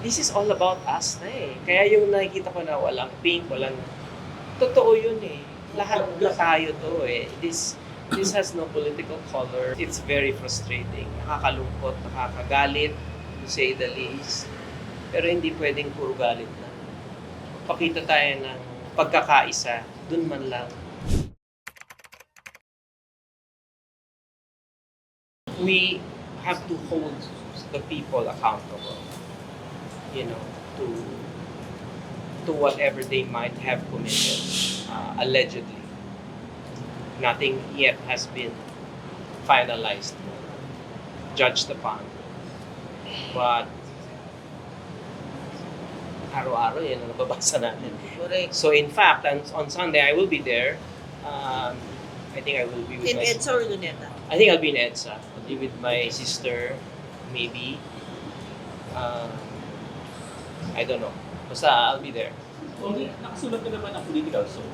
this is all about us na eh. Kaya yung nakikita ko na walang pink, walang... Totoo yun eh. Lahat na tayo to eh. This has no political color. It's very frustrating. Nakakalungkot, nakakagalit, to say the least. Pero hindi pwedeng puro galit na. Pakita tayo ng pagkakaisa, dun man lang. We have to hold the people accountable, you know, to whatever they might have committed, allegedly. Nothing yet has been finalized, judged upon. But araw-araw yan ang nababasa natin. Correct. So in fact, on Sunday I will be there. I think I will be with In my... EDSA or Luneta? I think I'll be in EDSA. I'll be with my sister, maybe. I don't know. Basta I'll be there. Okay, nakasulat ka naman ng political show.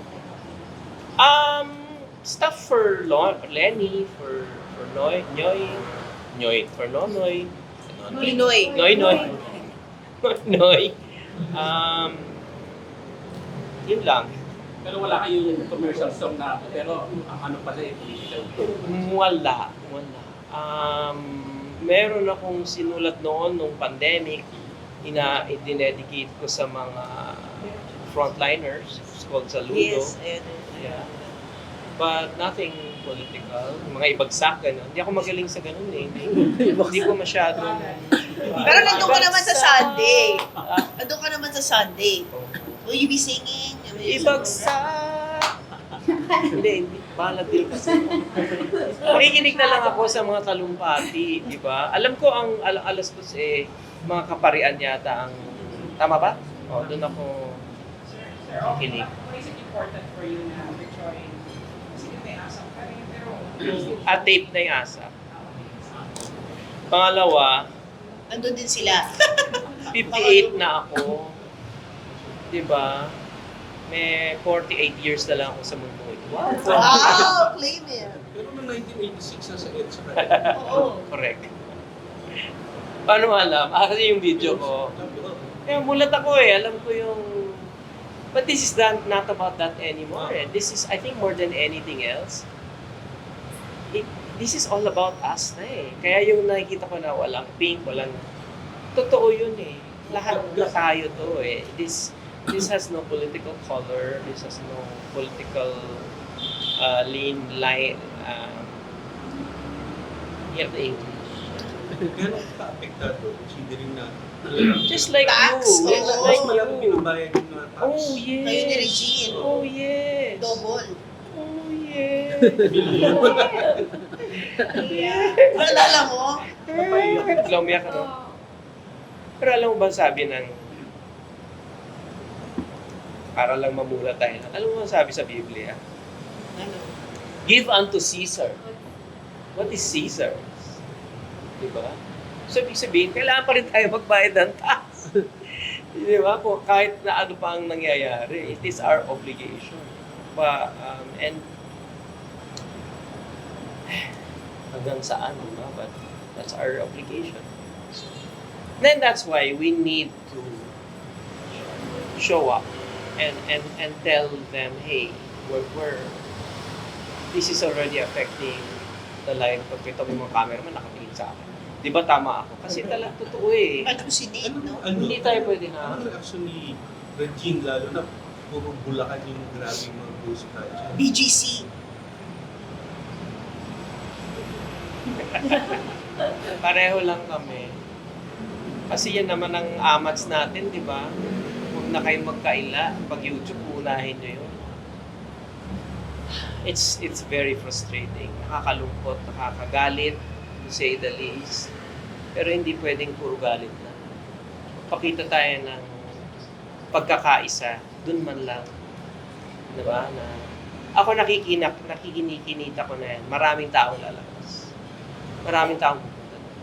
Stuff for Lenny, for Noy, for Nonoy. Pinoy. Noy. Yun lang. Pero wala kayong commercial song na, pero ang ano pala eh, political. Wala. Meron akong sinulat noon nung pandemic, dinedicate ko sa mga frontliners. It's called Saludo. Yes, ayun. Yeah. But nothing political. Mga ibagsak, gano'n. Hindi ako magaling sa gano'n eh. Hindi ko masyado. Pero nandun ka naman sa Sunday. Ah, Nandun ka naman sa Sunday. Will you be singing? ibagsak! Hindi. Bahala din kasi. Makikinig na lang ako sa mga talumpati, di ba? Alam ko ang alas dos eh, mga kaparian yata ang... Tama ba? O, doon ako makikinig. What is it important for you na join? Kasi may asam ka rin, pero... At tape na yung asa. Pangalawa, Nandun din sila. 58 na ako. Diba? May 48 years na lang ako sa mundo ito. Wow! Claim it. Pero noong 1986 na sa EDSA ka. Oo. Correct. Paano alam? Kasi yung video ko. Kaya mulat ako eh. Alam ko yung... But this is not about that anymore. This is, I think, more than anything else. This is all about us na eh. Kaya yung nakikita ko na walang pink, walang... Totoo yun eh. Lahat na tayo to eh. This has no political color. This has no political line. Hear the English. Gano'n ka-apektado? Considering na... Just like Tax, you. oo. Just Mas like malaki you. binabayad yung mga tax. Oh, yes. Kayo ni Regine. Oh, yes. Double. Oh, yes. Naalala mo? Biglang umiyak ka, no? Pero alam mo ba sabi ng... Para lang mamula tayo. Alam mo ba sabi sa Biblia? Ano? Give unto Caesar. What is Caesar? Diba? So, ibig sabihin, kailangan pa rin tayo magbayad ng tax. Diba? Kung kahit na ano pa ang nangyayari, it is our obligation. And hanggang saan, diba? But that's our obligation. Then that's why we need to show up and tell them, hey, we're this is already affecting the life. Pag ito may mga cameraman nakatingin sa akin. Di ba tama ako? Kasi talaga totoo eh. Ano si Nate, no? Hindi tayo pwede na... Ano reaction ni Regine, lalo na puro Bulacan yung grabing mga post ka dyan? BGC. Pareho lang kami. Kasi yan naman ang amats natin, di ba? Huwag na kayong magkaila. Pag YouTube, unahin nyo yun. It's very frustrating. Nakakalungkot, nakakagalit, to say the least. Pero hindi pwedeng puro galit na. Pakita tayo ng pagkakaisa, dun man lang. Di ba? Na, ako nakikinikinita ko na yan. Maraming taong lalabas. Maraming taong pupunta.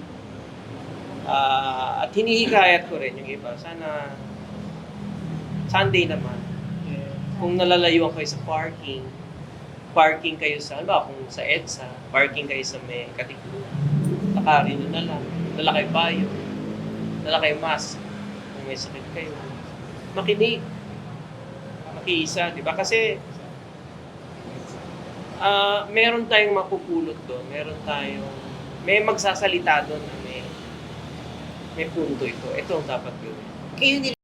At hinihikayat ko rin yung iba. Sana Sunday naman. Kung nalalayuan kayo sa parking kayo sa, ano ba, kung sa EDSA, parking kayo sa may Katipunan. Takarin nyo na lang. Dala kayo bayo. Dala kayo mask. Kung may sakit kayo, makinig, makiisa, di ba? Kasi meron tayong mapupulot doon, may magsasalita doon na may punto ito. Ito ang dapat gawin. Kayo